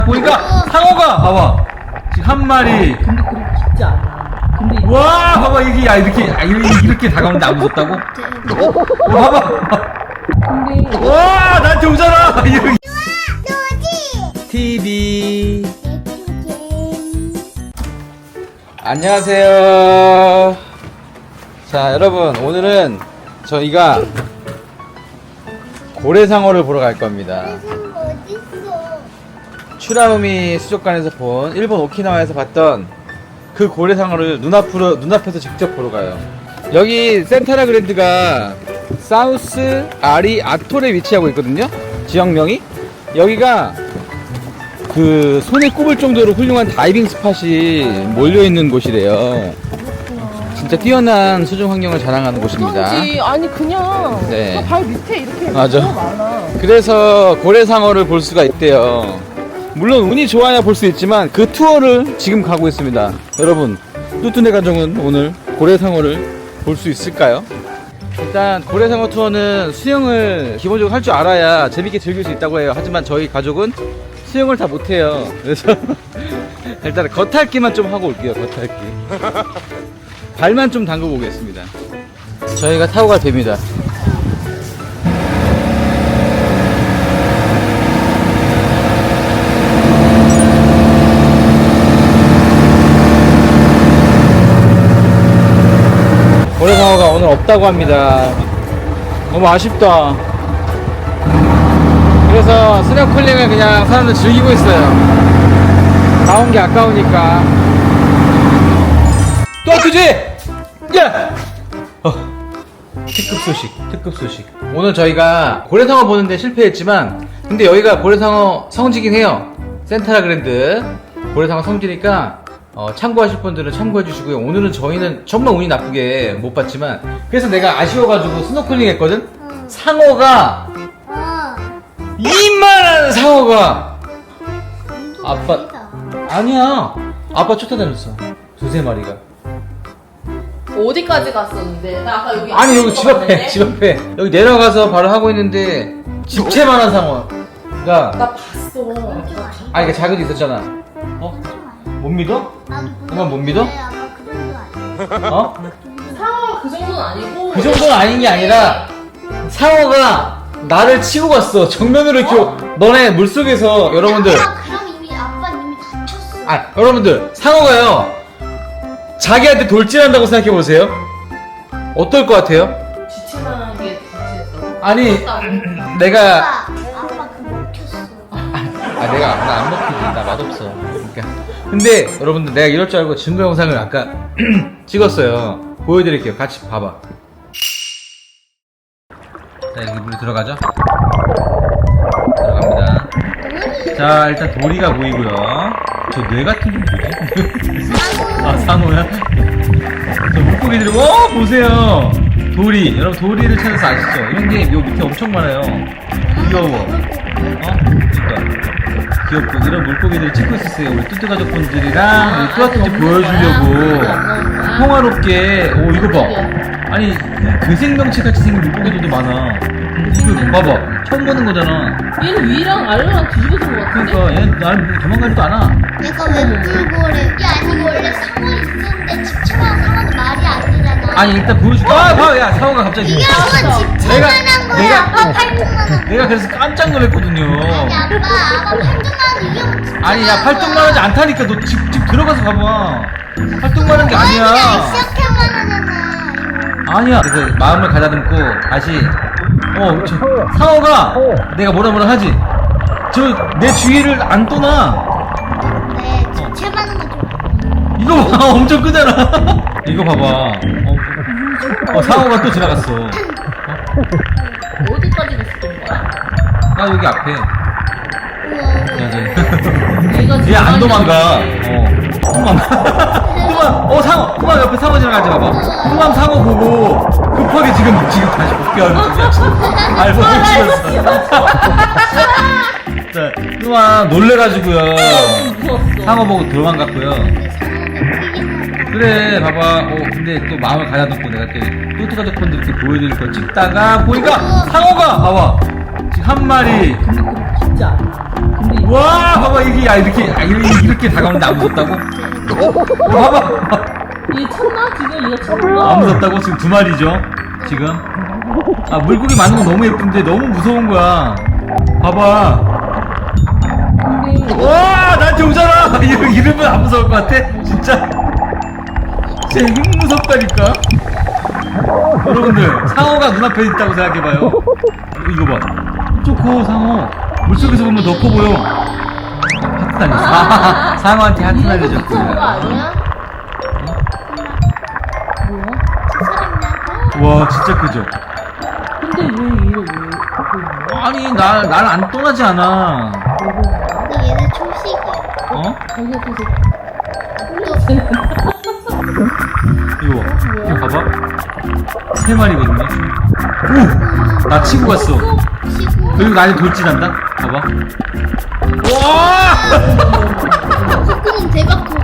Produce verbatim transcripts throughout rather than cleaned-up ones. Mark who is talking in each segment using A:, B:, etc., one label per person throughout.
A: 보니까 상어가 봐봐 지금 한 마리.
B: 근데 그렇게 깊지 않아. 근데
A: 와 봐봐 이게 야 이렇게 아, 이렇게, 이렇게 다가오는데 안 무섭다고? 어, 봐봐.
B: 근데
A: 와 나한테 오잖아. 이렇게. 티비. 안녕하세요. 자 여러분 오늘은 저희가 고래상어를 보러 갈 겁니다. 추라우미 수족관에서 본 일본 오키나와에서 봤던 그 고래상어를 눈앞으로, 눈앞에서 직접 보러 가요. 여기 센타라 그랜드가 사우스 아리 아톨에 위치하고 있거든요. 지역명이 여기가 그 손에 꼽을 정도로 훌륭한 다이빙 스팟이 몰려있는 곳이래요. 진짜 뛰어난 수중 환경을 자랑하는 곳입니다.
B: 그런지 아니 그냥
A: 네.
B: 발 밑에 이렇게
A: 맞아.
B: 너무 많아.
A: 그래서 고래상어를 볼 수가 있대요. 물론 운이 좋아야 볼 수 있지만 그 투어를 지금 가고 있습니다. 여러분 뚜뚜네 가족은 오늘 고래상어를 볼 수 있을까요? 일단 고래상어 투어는 수영을 기본적으로 할 줄 알아야 재밌게 즐길 수 있다고 해요. 하지만 저희 가족은 수영을 다 못해요. 그래서 일단 겉핥기만 좀 하고 올게요. 겉핥기 발만 좀 담그고 오겠습니다. 저희가 타고 갈 배입니다. 고래상어가 오늘 없다고 합니다. 너무 아쉽다. 그래서 스노클링을 그냥 사람들 즐기고 있어요. 나온 게 아까우니까. 또 아프지? 야! 어, 특급 소식, 특급 소식. 오늘 저희가 고래상어 보는데 실패했지만, 근데 여기가 고래상어 성지긴 해요. 센타라 그랜드. 고래상어 성지니까, 어, 참고하실 분들은 참고해 주시고요. 오늘은 저희는 정말 운이 나쁘게 못 봤지만, 그래서 내가 아쉬워가지고 스노클링 했거든? 응. 상어가, 어. 이만한 상어가, 아빠, 아니야. 아빠 쫓아다녔어. 두세 마리가.
B: 어디까지 갔었는데? 나 아까 여기
A: 아니, 여기 집 앞에, 집 앞에. 여기 내려가서 바로 하고 있는데, 집채만한 상어가.
B: 나 봤어.
A: 아, 이게 작은 게 있었잖아. 어? 못 믿어? 정말 못 믿어? 어?
B: 상어가 그 정도는 아니고.
A: 그 정도는 아닌 게 아니라 상어가 나를 치고 갔어. 정면으로 이렇게. 어? 너네 물속에서 여러분들.
C: 아, 그럼 이미 아빠는 이미 다쳤어.
A: 아 여러분들 상어가요 자기한테 돌진한다고 생각해 보세요. 어떨 것 같아요?
B: 지체만한 게 지체했다고.
A: 아니
B: 아,
A: 내가
C: 아빠, 아빠 그거 먹혔어.
A: 아 내가 나 안 먹히지. 나 맛없어. 그러니까 근데 여러분들 내가 이럴 줄 알고 증거 영상을 아까 찍었어요. 보여드릴게요. 같이 봐봐. 자 여기 물에 들어가죠. 들어갑니다. 자 일단 도리가 보이고요. 저 뇌 같은 게 뭐지? 아 상어야? 저 물고기들이 와 보세요. 도리 여러분 도리를 찾아서 아시죠? 이런 게 요 밑에 엄청 많아요. 귀여워. 어? 그러니까 귀엽고 이런 물고기들을 찍고 있었어요. 우리 뚜뚜 가족분들이랑 우리 뚜아뚜뚜 보여주려고 평화롭게. 오 이거 봐. 아니 그 생명체 같이 생긴 물고기들도 많아. 이거 봐봐. 처음 보는 거잖아.
B: 얘는 위랑 아래랑 뒤집어진 것 같은데?
A: 그러니까 얘는 나를 도망가지도 않아.
C: 내가 왜 물고래? 이게 아니고 원래 상어 있었는데 집채만한 상어는 말이 안 되잖아.
A: 아니 일단 보여줄게. 아 봐. 야 상어가 갑자기
C: 이게 한번 집채만한 거야.
A: 내가-
C: 아빠
A: 어.
C: 팔뚝만한.
A: 내가 그래서 깜짝 놀랐거든요.
C: 아니 아빠 아빠 팔뚝만한 이게 뭐 집채만한
A: 아니 야 팔뚝만하지 않다니까. 너 집 집 들어가서 봐봐. 팔뚝만한 게
C: 그냥
A: 아니야.
C: 시작해만 하잖아.
A: 아니야. 그래서 마음을 가다듬고 다시 어 저, 상어가 내가 뭐라 뭐라 하지. 저 내 주위를 안 떠나.
C: 네, 집채만한 거 좀.
A: 이거 봐. 엄청 크잖아. 이거 봐봐. 어, 어 상어가 또 지나갔어. 어?
B: 어디까지 갔었던 거야?
A: 나 여기 앞에.
B: 얘가
A: 얘 안 도망가.
B: 지나가는데.
A: 어. 도망가. 도망. 어 상어. 도망 옆에 상어 지나가지 봐봐. 도망 상어 보고 급하게 지금 지금 다시 복귀하는 중이야. 알고 찍었어. 자, 도망 놀래가지고요.
B: 무서웠어.
A: 상어 보고 도망갔고요. 그래 봐봐. 어 근데 또 마음을 가다듬고 내가 또 뚜뚜 가족분들께 보여드릴 걸 찍다가 보니까 상어가 봐봐. 지금 한 마리.
B: 근데 그렇게 진짜. 근데 이거
A: 와, 봐봐, 이게, 야, 이렇게, 아, 이렇게, 이렇게 다가오는데 안 무섭다고? 어, 봐봐.
B: 이게 쳤나? 지금 이거 쳤나?
A: 안 무섭다고? 지금 두 마리죠? 지금? 아, 물고기 많은 건 너무 예쁜데 너무 무서운 거야. 봐봐.
B: 근데
A: 와, 나한테 오잖아! 이러, 이러면 안 무서울 것 같아? 진짜? 진짜 너무 무섭다니까? 여러분들, 상어가 눈앞에 있다고 생각해봐요. 이거 봐. 엄청 커, 상어. 물속에서 보면 더 커 보여. 하트 날렸어. 아, 상어한테 하트
B: 이거
A: 날려줬고.
B: 쳤는 거 아니야? 뭐야?
C: 사람이한테
A: 와, 진짜 크죠?
B: 근데 왜 이래 왜 그거
A: 아니, 날, 날 안 떠나지 않아.
C: 근데 얘네 초식이야.
A: 어?
B: 자기가 계속
A: 이거 봐. 이거 봐봐. 세 마리거든요. 오! 나 치고 갔어.
C: 치고
A: 그리고 나한테 돌진한다? 봐봐. 와!
C: 콧구멍 대박 커.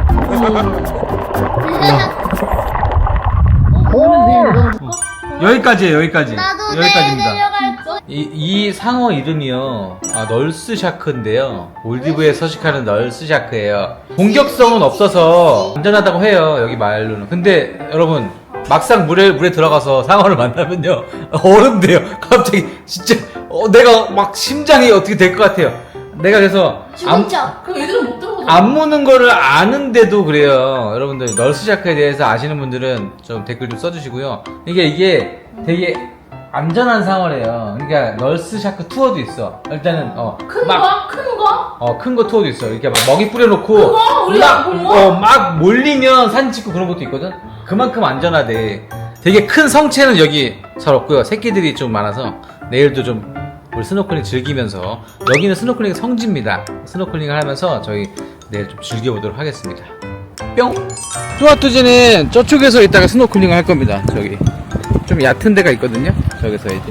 B: 오늘 내일 먹어볼까?
A: 여기까지예요, 여기까지.
C: 나도 내일
A: 여기까지입니다.
C: 내려갈 거.
A: 이, 이 상어 이름이요. 아, 널스 샤크인데요. 몰디브에 서식하는 널스 샤크예요. 공격성은 없어서 안전하다고 해요, 여기 말로는. 근데 여러분, 막상 물에, 물에 들어가서 상어를 만나면요. 어른데요. 갑자기, 진짜, 어, 내가 막 심장이 어떻게 될 것 같아요. 내가 그래서. 안,
C: 죽은 척.
B: 그럼 애들은 못 들어가잖아.
A: 안 무는 거를 아는데도 그래요. 여러분들, 널스 샤크에 대해서 아시는 분들은 좀 댓글 좀 써주시고요. 이게, 이게 되게 안전한 상어래요. 그러니까, 널스 샤크 투어도 있어. 일단은, 어.
B: 큰
A: 막,
B: 거? 큰 거?
A: 어, 큰 거 투어도 있어. 이렇게 막 먹이 뿌려놓고.
B: 그거? 우리가
A: 막,
B: 본 거?
A: 어, 막 몰리면 사진 찍고 그런 것도 있거든? 그만큼 안전하대. 되게 큰 성체는 여기 잘 없고요. 새끼들이 좀 많아서 내일도 좀 우리 스노클링 즐기면서, 여기는 스노클링 성지입니다. 스노클링을 하면서 저희 내일 좀 즐겨보도록 하겠습니다. 뿅! 뚜아뚜지는 저쪽에서 이따가 스노클링을 할 겁니다. 저기. 좀 얕은 데가 있거든요. 저기서 이제.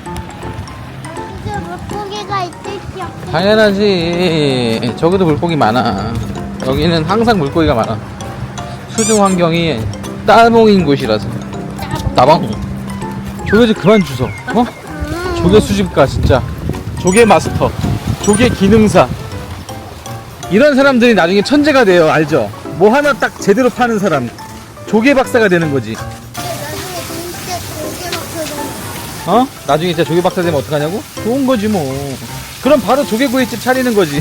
C: 진짜 물고기가 있을지 없을지.
A: 당연하지. 저기도 물고기 많아. 여기는 항상 물고기가 많아. 수중 환경이 따봉인 곳이라서. 따봉. 조개 좀 그만 주소. 어? 조개 수집가 진짜. 조개 마스터. 조개 기능사. 이런 사람들이 나중에 천재가 돼요. 알죠? 뭐 하나 딱 제대로 파는 사람. 조개 박사가 되는 거지.
C: 나중에 진짜 조개 먹거든.
A: 어? 나중에 진짜 조개 박사 되면 어떡하냐고? 좋은 거지 뭐. 그럼 바로 조개구이집 차리는 거지.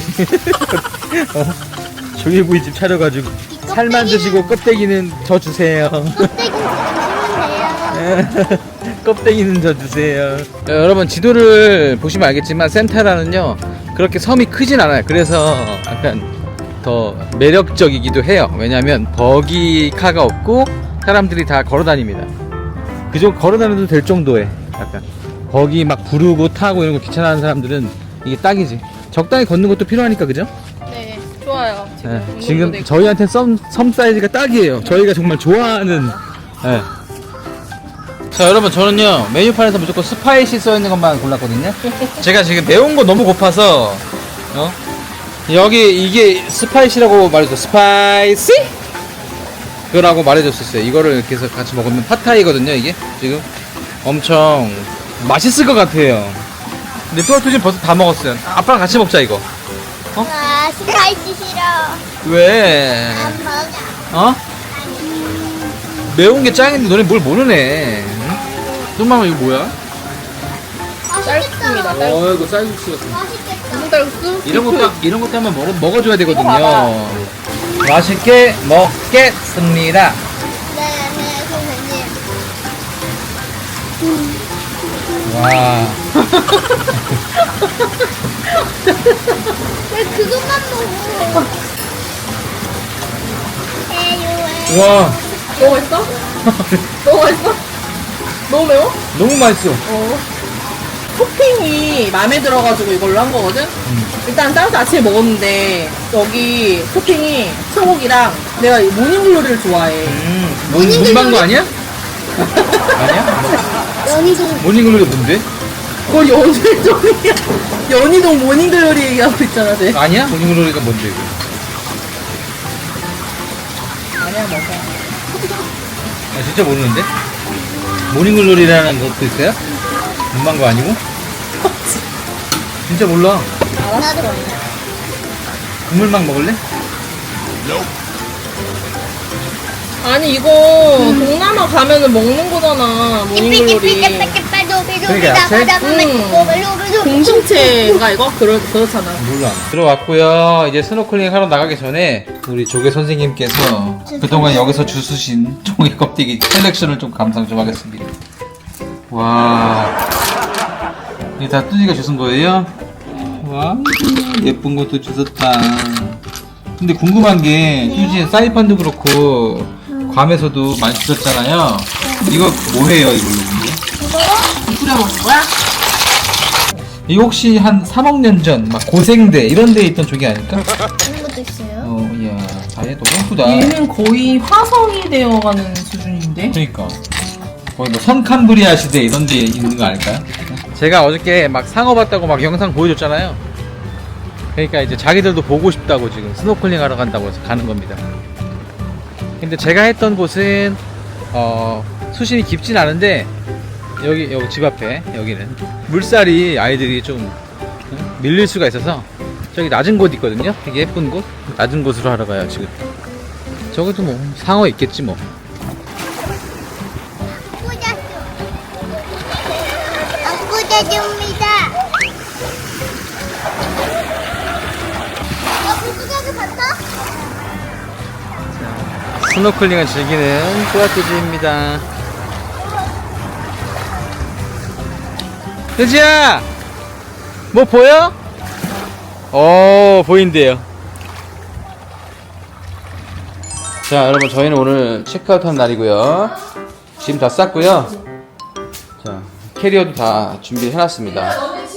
A: 어? 조개구이집 차려가지고 살만 드시고 껍데기는 저 주세요.
C: 껍데기 주시면 돼요.
A: 껍데기는 저 주세요. 자, 여러분 지도를 보시면 알겠지만 센타라는요 그렇게 섬이 크진 않아요. 그래서 약간 더 매력적이기도 해요. 왜냐면 버기카가 없고 사람들이 다 걸어다닙니다. 그저 걸어다녀도 될 정도의 약간 버기 막 부르고 타고 이런 거 귀찮아하는 사람들은 이게 딱이지. 적당히 걷는 것도 필요하니까 그죠?
B: 네, 좋아요. 지금,
A: 네,
B: 운동도
A: 지금
B: 되고.
A: 저희한테 섬, 섬 사이즈가 딱이에요. 저희가 정말 좋아하는. 네. 자 여러분 저는요 메뉴판에서 무조건 스파이시 써있는 것만 골랐거든요. 제가 지금 매운 거 너무 고파서 어? 여기 이게 스파이시라고 말해줘. 스파이시? 그거라고 말해줬었어요. 이거를 이렇게 해서 같이 먹으면 팟타이거든요. 이게 지금 엄청 맛있을 것 같아요. 근데 뚜아뚜 지금 벌써 다 먹었어요. 아빠랑 같이 먹자 이거. 어?
C: 아, 스파이시 싫어.
A: 왜?
C: 안 먹어.
A: 어? 매운 게 짱인데 너네 뭘 모르네. 응? 뚱마마 이거 뭐야?
B: 쌀국수입니다. 쌀국수.
A: 어 이거 쌀국수 같은 거.
C: 맛있겠다.
B: 무슨 쌀국수?
A: 이런 것도 이런 것도 한번 먹어 먹어줘야
B: 이거
A: 되거든요.
B: 봐봐.
A: 맛있게 먹겠습니다.
C: 네, 네, 선생님.
A: 와.
C: 왜 그것만 먹어? 에휴,
A: 와.
B: 너무 맛있어? 너무 맛있어? 너무 매워?
A: 너무 맛있어.
B: 어. 토핑이 마음에 들어가지고 이걸로 한 거거든?
A: 음.
B: 일단 따로 아침에 먹었는데, 여기 토핑이 소고기랑 내가 모닝글로리를 좋아해.
A: 음. 문 문방구 아니야? 아니야?
C: 연희동.
A: 모닝글로리 뭔데?
B: 그걸 연희동이야. 연희동 모닝글로리 얘기하고 있잖아, 쟤.
A: 아니야? 모닝글로리가 뭔데 이거?
B: 아니야, 먹어.
A: 아 진짜 모르는데? 모닝글로리라는 것도 있어요? 문방구 아니고? 진짜 몰라.
B: 아, 알았어.
A: 국물막 먹을래?
B: 아니 이거 동남아 가면은 먹는 거잖아. 모닝글로리.
A: 그러니까 야채?
B: 공동체가 이거? 그러, 그렇잖아.
A: 몰라. 들어왔고요. 이제 스노클링 하러 나가기 전에 우리 조개 선생님께서 그동안 여기서 주수신 종이 껍데기 셀렉션을 좀 감상 좀 하겠습니다. 와, 이게 다 뚜지가 주신 거예요? 와, 예쁜 것도 주셨다. 근데 궁금한 게 뚜지 사이판도 그렇고 괌에서도 많이 주셨잖아요. 이거 뭐해요 이걸로?
B: 뿌려 먹는 거야?
A: 이거 혹시 한 삼억 년 전 막 고생대 이런 데에 있던 조개 아닐까?
C: 그런 것도 있어요.
A: 어, 이야, 아얘 너무 예쁘다.
B: 얘는 거의 화성이 되어가는 수준인데?
A: 그러니까 거의 뭐 선캄브리아 시대 이런 데 있는 거 아닐까요? 제가 어저께 막 상어 봤다고 막 영상 보여줬잖아요. 그러니까 이제 자기들도 보고 싶다고 지금 스노클링 하러 간다고 해서 가는 겁니다. 근데 제가 했던 곳은 어, 수심이 깊진 않은데 여기 여기 집 앞에 여기는 물살이 아이들이 좀 응? 밀릴 수가 있어서 저기 낮은 곳 있거든요. 되게 예쁜 곳 낮은 곳으로 하러 가요 지금. 저기도 뭐 상어 있겠지 뭐.
C: 안 꽂아줍니다. 아, 불구경이 봤어?
A: 스노클링을 즐기는 또아뚜지입니다. 뚜지야! 뭐 보여? 어 보인대요. 자 여러분 저희는 오늘 체크아웃 한 날이고요. 짐 다 쌌고요. 자 캐리어도 다 준비해놨습니다.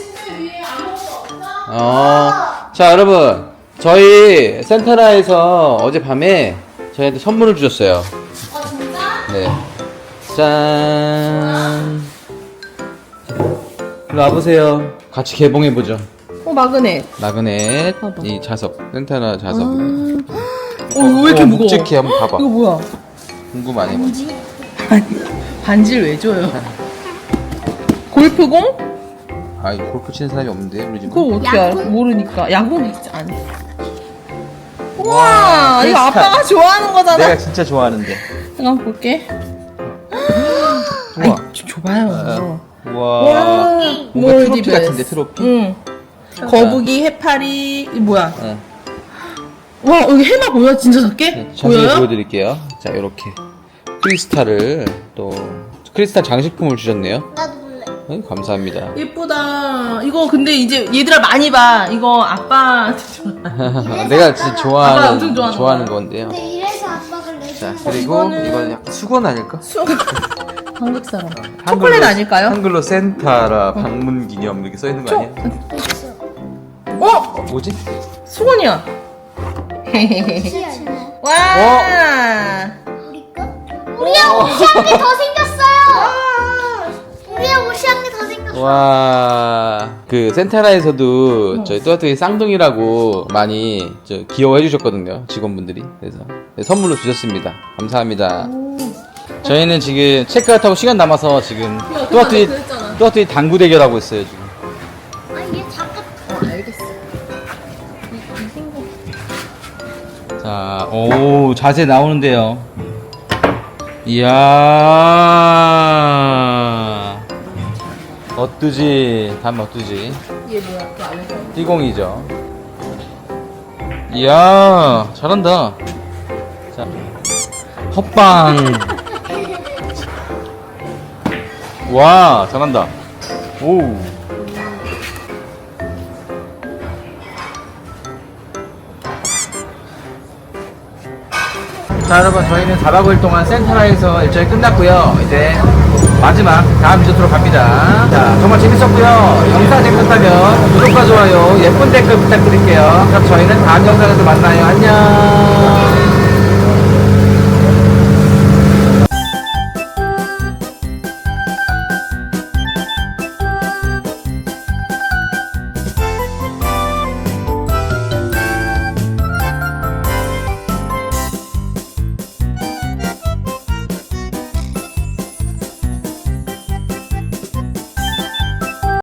A: 어, 자 여러분 저희 센타라에서 어젯밤에 저희한테 선물을 주셨어요.
C: 아, 진짜?
A: 네. 짠. 일로 와보세요. 같이 개봉해보죠.
B: 어 마그넷.
A: 마그넷,
B: 봐봐.
A: 이 자석, 센타나 자석.
B: 어 왜 이렇게 무거워?
A: 묵직해, 한번 봐봐.
B: 이거 뭐야?
A: 궁금하네.
C: 뭐지?
B: 반지를 왜 줘요? 골프공?
A: 아, 이거 골프 치는 사람이 없는데, 우리 집은.
B: 그거 어떻게
C: 야구?
B: 알아? 모르니까. 야구 있지 아니.
A: 와,
B: 우와, 이거
A: 크리스탈.
B: 아빠가 좋아하는 거잖아.
A: 내가 진짜 좋아하는데.
B: 잠깐 볼게.
A: 우와.
B: 줘- 줘봐요.
A: 우와. 뭔가 트로피 같은데, 트로피?
B: 응. 거북이, 해파리, 이 뭐야?
A: 응.
B: 와, 여기 해마 보여? 진짜 작게?
A: 네, 자세히
B: 보여요?
A: 보여드릴게요. 자, 이렇게. 크리스탈을 또, 크리스탈 장식품을 주셨네요.
C: 나도 볼래.
A: 응, 감사합니다.
B: 예쁘다. 이거 근데 이제 얘들아 많이 봐. 이거 아빠한테 줘.
A: 내가 진짜
B: 아빠
A: 좋아하는,
B: 엄청 좋아하는
A: 좋아하는
B: 거야.
A: 건데요.
C: 근데 이래서 아빠가 내
A: 자,
C: 줄
A: 그리고
B: 이거는-
A: 이건 약간 수건 아닐까?
B: 수... 한국 사람.
A: 한글로-
B: 초콜릿 아닐까요?
A: 한글로 센타라 방문 기념 이렇게 써 있는 거
B: 초-
A: 아니야?
C: 있어.
B: 어?
A: 어, 뭐지?
B: 수건이야.
C: 시아는
B: 와.
C: 우리 거? 우리야 옷이 한 개 더 생겼어요. 우리야 옷이 한 개 더 생겼어.
A: 와, 그 센타라에서도 저희 또아또이 쌍둥이라고 많이 저 귀여워해 주셨거든요, 직원분들이. 그래서 네, 선물로 주셨습니다. 감사합니다. 저희는 지금 체크아웃하고 시간 남아서 지금 또아또이
B: 그랬잖아.
A: 또아또이 당구 대결하고 있어요 지금.
C: 아 얘 잠깐.
B: 어, 알겠어.
A: 자, 오, 자세 나오는데요. 이야. 어뚜지, 담 어뚜지.
B: 얘 뭐야? 그 안에서.
A: 띠공이죠. 이야, 잘한다. 자, 헛방. 와, 잘한다. 오. 자 여러분 저희는 사 박 오 일 동안 센타라에서 일정이 끝났고요. 이제 마지막 다음 리조트로 갑니다. 자 정말 재밌었고요. 영상 재밌었다면 구독과 좋아요 예쁜 댓글 부탁드릴게요. 그럼 저희는 다음 영상에서 만나요. 안녕.